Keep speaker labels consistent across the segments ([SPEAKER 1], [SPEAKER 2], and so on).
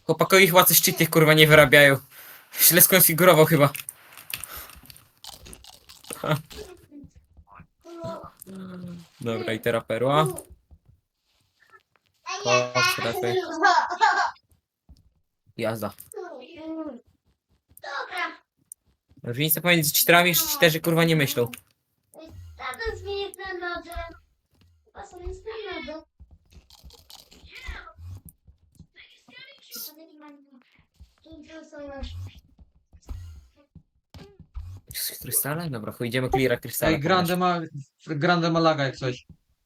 [SPEAKER 1] Chłopakowi chyba coś cheaty kurwa nie wyrabiają. Źle skonfigurował chyba. Dobra, i teraz perła. O, strefy. Jazda. Różnica pomiędzy cheaterami, że cheaterzy kurwa nie myślą.
[SPEAKER 2] Tata zmieni ten nodze. Chyba sobie jest ten nodze.
[SPEAKER 1] Z krystale? Dobra, idziemy cleara krystale.
[SPEAKER 3] Ej, Grande Malaga jak coś.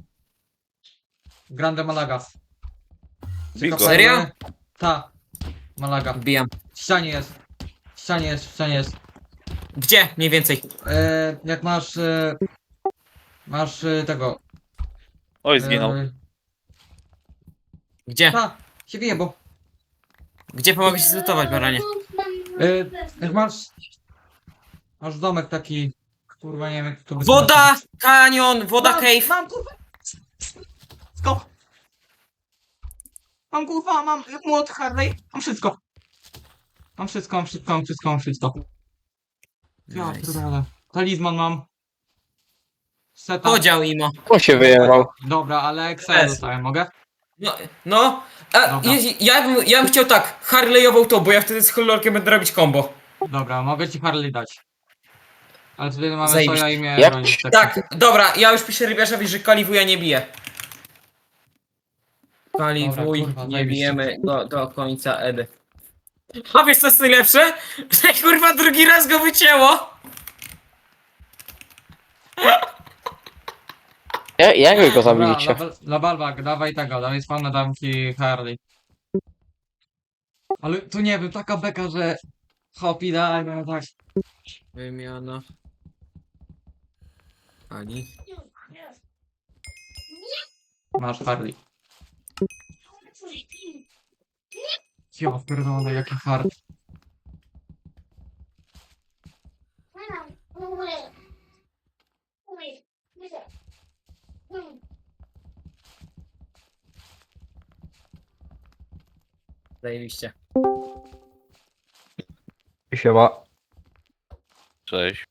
[SPEAKER 3] Grande Malaga.
[SPEAKER 4] Bigo.
[SPEAKER 1] Serio?
[SPEAKER 3] Ta. Malaga.
[SPEAKER 1] Wbijam.
[SPEAKER 3] W ścianie jest. W ścianie jest, w ścianie jest.
[SPEAKER 1] Gdzie? Mniej więcej.
[SPEAKER 3] Jak masz... masz tego...
[SPEAKER 4] Oj, zginął.
[SPEAKER 1] Gdzie?
[SPEAKER 3] Ta, się wyjebał.
[SPEAKER 1] Gdzie pomogę się zlutować, baranie?
[SPEAKER 3] Jak masz... Masz domek taki... Kurwa, nie wiem jak to
[SPEAKER 1] Woda! Kanion! Woda
[SPEAKER 3] mam,
[SPEAKER 1] cave!
[SPEAKER 3] Mam kurwa! Wszystko! Mam kurwa, mam młot Harley, mam wszystko. Mam wszystko, mam wszystko, mam wszystko, mam wszystko. Ja
[SPEAKER 1] Nice.
[SPEAKER 3] pierdolę. Talizman mam. Setup.
[SPEAKER 1] Podział imo.
[SPEAKER 4] On się wyjechał.
[SPEAKER 3] Dobra, ale Excel dostałem, mogę?
[SPEAKER 1] No.
[SPEAKER 3] Dobra.
[SPEAKER 1] Ja bym chciał tak, Harley'ową to, bo ja wtedy z Hollorkiem będę robić combo.
[SPEAKER 3] Dobra, mogę ci Harley dać. Ale tutaj mamy
[SPEAKER 1] Zajebiście.
[SPEAKER 3] soja i mnie
[SPEAKER 4] Jak?
[SPEAKER 3] bronić.
[SPEAKER 1] Tak, dobra, ja już piszę rybiarzowi, że kaliwuja nie bije. Kaliwuj,
[SPEAKER 3] Dobra, kurwa,
[SPEAKER 1] nie
[SPEAKER 3] zajebiście.
[SPEAKER 1] bijemy do końca Edy. A wiesz co jest najlepsze? Że kurwa drugi raz go wycięło!
[SPEAKER 4] Jak wy go
[SPEAKER 3] Dobra,
[SPEAKER 4] zabiliście?
[SPEAKER 3] dla Balbak, dawaj tego, dawaj spawna, dam ci Harley. Ale tu nie wiem, taka beka, że... Hopi, daj, no tak.
[SPEAKER 1] Wymiana. Ali.
[SPEAKER 3] Masz Harley. Ja pierdolę, jaki hard.
[SPEAKER 1] Zajebiście.
[SPEAKER 4] Siema. Cześć.